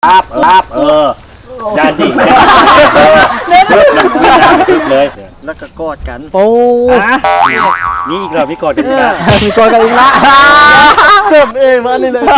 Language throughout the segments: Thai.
รับญาติเลยแล้วก็กอดกันโอ้นี่อีกแล้วพี่กอดกันอีกแล้วมีกอดกันอีกละเสิร์ฟเองมานี่เลย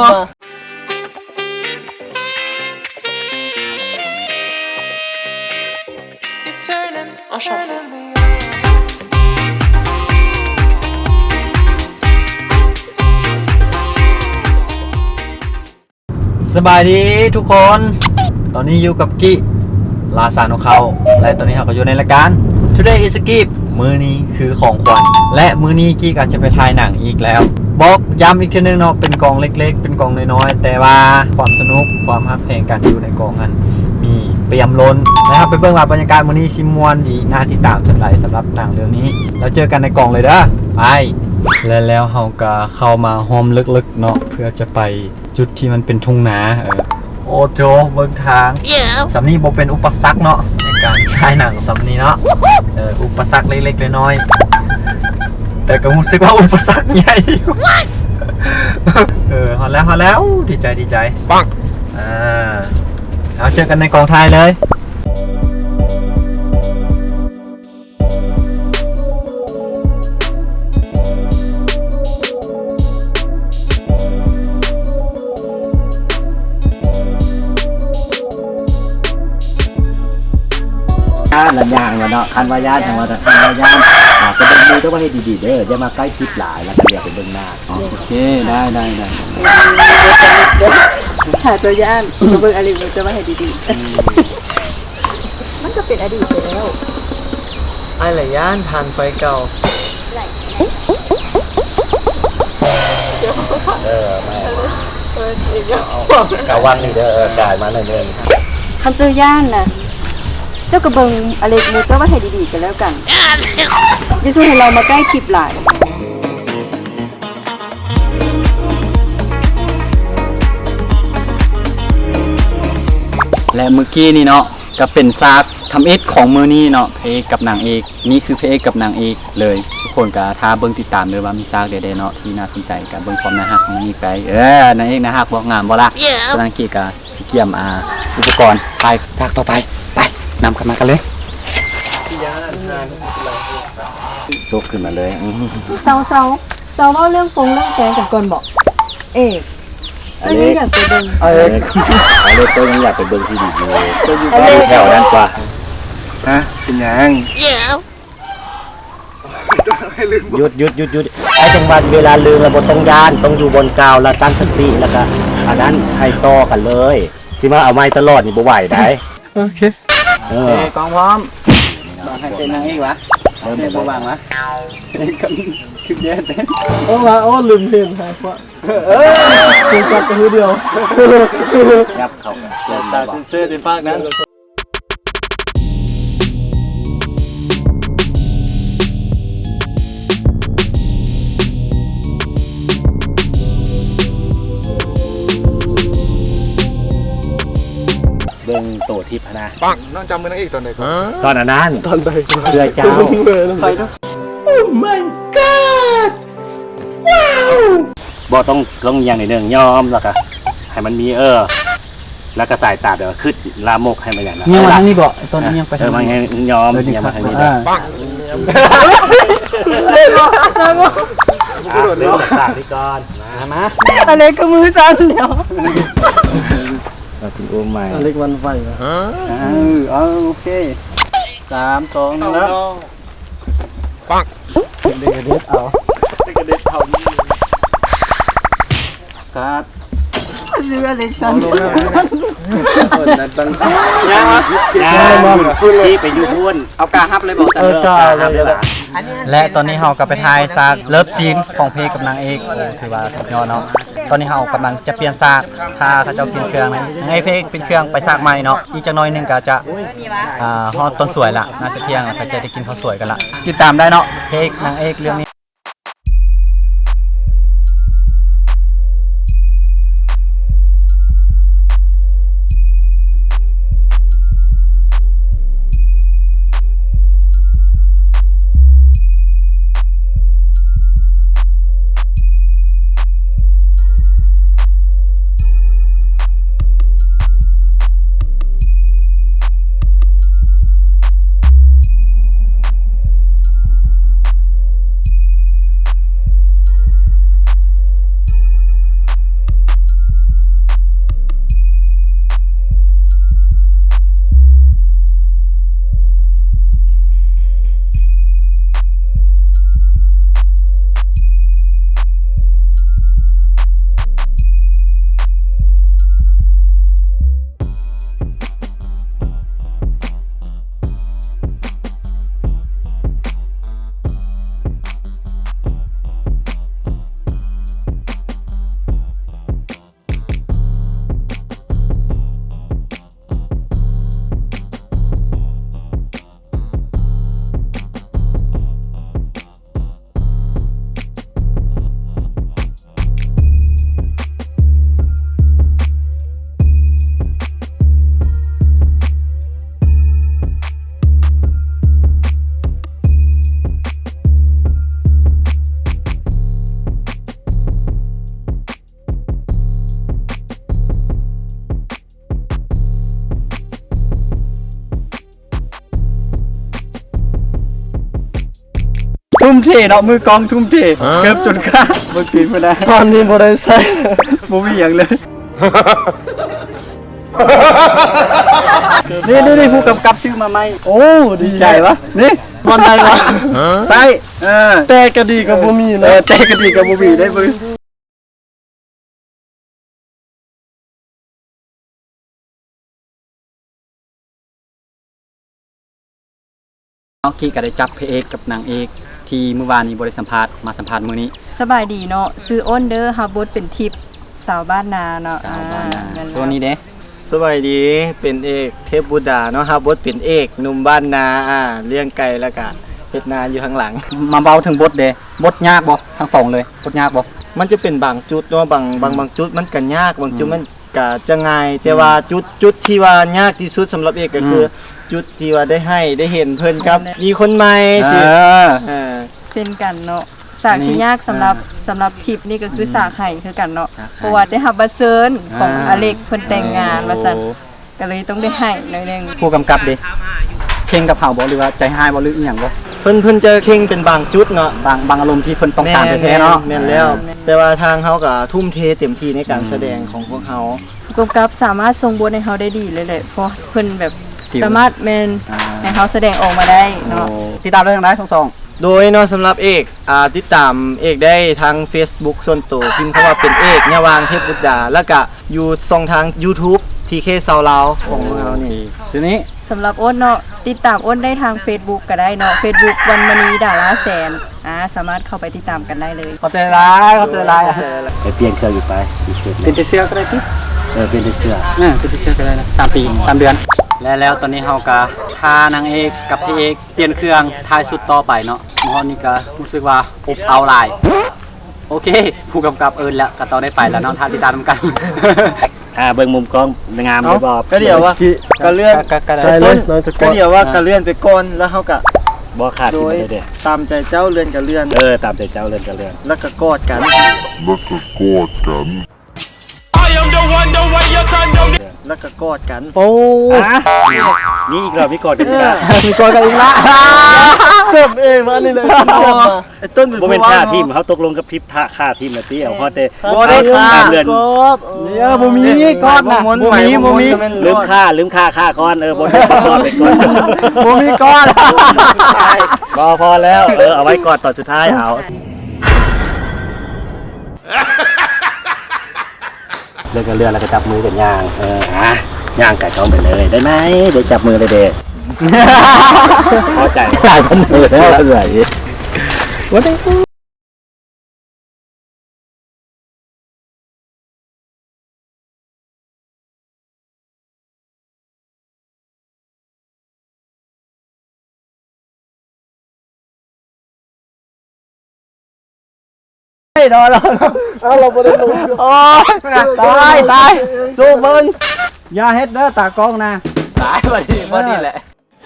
สบายดีทุกคน ตอนนี้อยู่กับกิลาซานของเขาและตอนนี้เราก็อยู่ในรายการ Today is a gift มื้อนี้คือของขวัญและมื้อนี้กิก็จะไปถ่ายหนังอีกแล้วบอกย้ำอีกทีนึงเนาะเป็นกองเล็กๆเป็นกองน้อยๆแต่ว่าความสนุกความฮักเพลงกันอยู่ในกองนั้นมีเปี่ยมล้นนะครับไปเบิ่งว่าบรรยากาศมื้อนี้ชิมวนดีน่าติดตามสำหรับหนังเรื่องนี้แล้วเจอกันในกองเลยเด้อไปและแล้วเฮาก็เข้ามาโฮมลึกๆเนาะเพื่อจะไปจุดที่มันเป็นทุ่งนาโอ้โจเบิ่งทางสำนี้บ่เป็นอุปสรรคเนาะในการฉายหนังสำนี้เนาะอุปสรรคเล็กๆน้อยๆแต่ก็รู้สึกว่าอุปสรรคใหญ่อยู่ฮอดแล้วดีใจปังเอาเจอกันในกองถ่ายเลยหลังยางเนาะคันวายานของเราแต่คันวายานจะเป็นมือต้องให้ดีๆเด้ออย่ามาใกล้ชิดหลายแล้วกันเดี๋ยวเป็นเบื้องหน้าโอเคได้หาตัวย่านมาเบิ่งอดีตมันจะมาให้ดีๆมันก็เป็นอดีตไปแล้วไอ้หลายย่านผ่านไฟเก่ากะวันนึงเด้อจ่ายมาหน่อยนึงคำเจอย่านน่ะเจ้ากระเบิงอเล็กมูเจ้าว่าให้ดีๆกันแล้วกันอย่าช่วยให้เรามาใกล้คลิปหลายและเมื่อกี้นี่เนาะก็เป็นซากทำเอกของมือนี้เนาะพระเอกกับนางเอกนี่คือพระเอกกับนางเอกเลยทุกคนก็ท้าเบิ่งติดตามเลยว่ามีซากใดๆเนาะที่น่าสนใจกับเบิ่งความน่าฮักของนี่ไปนางเอกน่าฮักบ่งามบ่ล่ะนางเอกก็สิเกี่ยมอุปกรณ์ไปซากต่อไปนำกันมากันเลยโชคขึ้นมาเลยเซาว่าเรื่องฟงเรื่องแฟนกับก่อนบอกเอ๊ะก็ยังอยากไปเบิ่งเลยตัวยังอยากไปเบิ่งที่ดีอยู่แถวด้านกว่าฮะเป็นยังหยุดไอ้จังหวัดเวลาลืมระบบต้องยานต้องอยู่บนกาวแล้วตั้งสติแล้วก็อันนั้นให้ต่อกันเลยสิมาเอาไม้ตลอดนี่บ่ไหวได้โอเคกองพร้อมบางให้เป็นนางเอกวะเล่นบางวะเล่นกับคลิปเยอะเต้นโอ้ลืมเพลงครับว่าเพลงจับกันเดียวยับเข้าเล่นตาเซ่ในภาคนั้นเบิ่งโตทิพย์นะปังน้องจำมือนางเอกตอนไหนครับตอนนั้นตอนใดเรือเจ้าไปเนาะบ่ต้องอย่างในเรื่องยอมแล้วก็ให้มันมีแล้วก็สายตาเดี๋ยวขึ้นลามกให้มันอย่างนั้นยังมาทางนี้บ่ตอนนี้ยังไปทางมันนี้ให้ยอมอย่ามาทางนี้เด้อปังเรื่องสาที่ก่อนมาอเล็กก็มือสั่นเดี๋ยวเราถึงโอ้ใหม่อเล็กวันไฟนะโอเค3 2 1แล้วปังเด็กเด็ดเอาครับเรืออเล็กสั่นยังที่ไปอยู่พุ่นเอากาฮับเลยบอกกล้าเลยล่ะและตอนนี้เราก็ไปถ่ายซากเลิฟซีนของเพลงกับนางเอกถือว่าสุดยอดเนาะตอนนี้เรากำลังจะเปลี่ยนซากถ้าเขาจะเปลี่ยนเครื่องนะนางเอกเพลงเป็นเครื่องไปซากใหม่เนาะอีกจักหน่อยนึงก็จะฮอดต้นสวยละน่าจะเที่ยงแล้วก็จะได้กินข้าวสวยกันละติดตามได้เนาะเพลงนางเอกเรื่องนี้มเทเนาะมือกองทุ่มเทเกือบจนขาดบ่กินบ่ได้ตอนนี้บ่ได้ใส่บ่มีหยังเลยนี่ผู้กำกับชื่อมาใหม่โอ้ดีใจวะนี่บอลไทยวะใส่แต่ก็ดีกับบ่มีเอนะอแต่ก็ดีกับบ่มีได้บ่น้องกี้ก็ได้จับพระเอกกับนางเอกที่เมื่อวานนี้บริสัมภาษณ์มาสัมภาษณ์มื้อนี้สบายดีเนาะซื้ออ้นเด้อฮับบดเป็นทิปสาวบ้านนาเนาะสาวบ้านนานั่นแหละตัวนี้เด้สบายดีเป็นเอกเทพบุดาเนาะครับบทเป็นเอกหนุ่มบ้านนาเลี้ยงไก่แล้วก็เฮ็ดนาอยู่ข้างหลังมาเบาถึงบทเด้บทยากบ่ทั้งสองเลยบทยากบ่มันจะเป็นบางจุดเนาะบางจุดมันก็ยากบางจุดมันก็จะง่ายแต่ว่าจุดที่ว่ายากที่สุดสำหรับเอกก็คืออจุดที่ว่าได้เห็นเพิ่นครับ มีคนใหม่สิเออเส้นกันเนาะสากที่ยากสำหรับทิปนี่ก็คือสากไห้คือกันเนาะสากไห้เพราะว่าได้ฮับบัสเซิร์นของอ่าอเล็กเพิ่นแต่งงานว่าซั่นก็เลยต้องได้ให้หน่อยหนึงผู้กำกับเด้เข่งกับเฮาบ่หรือว่าใจหายบ่หรืออีหยังบ่เพิ่นจะเข่งเป็นบางจุดเนาะบางอารมณ์ที่เพิ่นต้องการแท้ๆเนาะแม่นแล้ว แต่ว่าทางเฮาก็ทุ่มเทเต็มที่ในการแสดงของพวกเฮาผู้กำกับสามารถทรงบทให้เฮาได้ดีเลยแหละเพราะเพิ่นแบบติวสามารถแม่นอ่าให้เฮาแสดงออกมาได้เนาะติดตามได้ทางไหนสองโดยเนาะสำหรับเอกติดตามเอกได้ทาง Facebook ส่วนตัวพิมพ์คำว่าเป็นเอกยาวางเทพบุตรดาแล้วก็อยู่ช่องทาง YouTube TK ซาวลาวของเรานี่ทีนี้สำหรับอ้นเนาะติดตามอ้นได้ทาง Facebook ก็ได้เนาะ Facebook วันมณีดาราแสนสามารถเข้าไปติดตามกันได้เลยขอบใจหลายขอบใจหลายไปเปลี่ยนเครื่องอีกไปอีกเสร็จเป็นแต่เสื้อก็ได้ติเป็นแต่เสื้อเป็นแต่เสื้อก็ได้นะ3 ปี 3 เดือน แล้วตอนนี้เฮาก็พานางเอกกับพระเอกเปลี่ยนเครื่องถ่ายสุดต่อไปเนาะหมอนี่ก็รู้สึกว่าอบเอาหลาย โอเค ผู้กำกับเอิ้นแล้วก็ต้องได้ไปแล้วเนาะทางติดตามกันเบิ่งมุมกล้องงามเลยบ่ก็เดี๋ยวว่าก็เลื่อนก็ได้ต้นก็เดี๋ยวว่าก็เลื่อนไปก่อนแล้วเฮาก็บ่ขาดโดที่ยมันเด้ตามใจเจ้าเลื่อนก็เลื่อนตามใจเจ้าเรื่องกันเรื่องแล้วก็กอดกัน แล้วก็กอดกันโอ้นี่อีกแล้วพี่กอดกันอีกแล้วมีกอนกันอีกละเสิร์ฟเองมานี่เลยไอ้ต้นบ่เป็นค่าทีมเขาตกลงกับพิพค่าทีมน่ะติเอาฮอดแต่บ่ได้ค่าตามเรือนกอดเดี๋ยวบ่มีก้อนน่ะบ่มีลืมค่าก่อนบ่ได้ก่อนเป็นก่อนบ่มีก้อนพอแล้วเอาไว้ก่อนตอนสุดท้ายเอาเรื่องกันเรื่องแล้วก็จับมือกันย่างย่างไก่ท้องไปเลยได้ไหมเดี๋ยวจับมือเลยเด็กพอใจหลายคนมือแล้วเหนื่อยวันนี้เราบ่ได้ลงโอ้ยตายสู้เบิ่งอย่าเฮ็ดเด้อตากล้องนะตายบ่นี่แหละ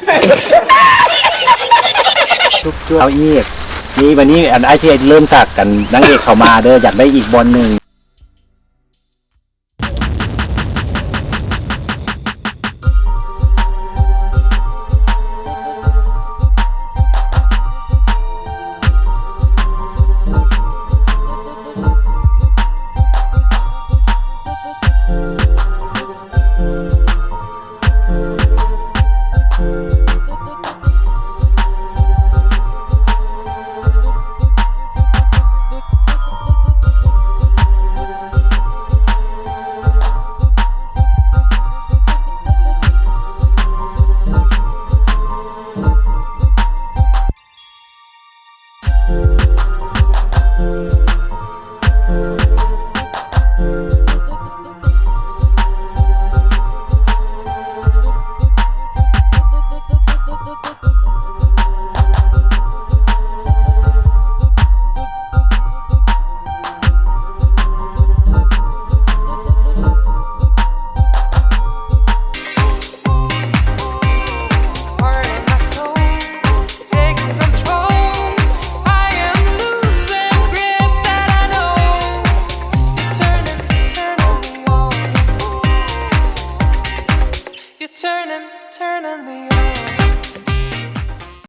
เอาอีกนี่วันนี้ไอ้ที่เริ่มสักกันนางเอกเข้ามาเด้ออยากได้อีกบอลหนึ่ง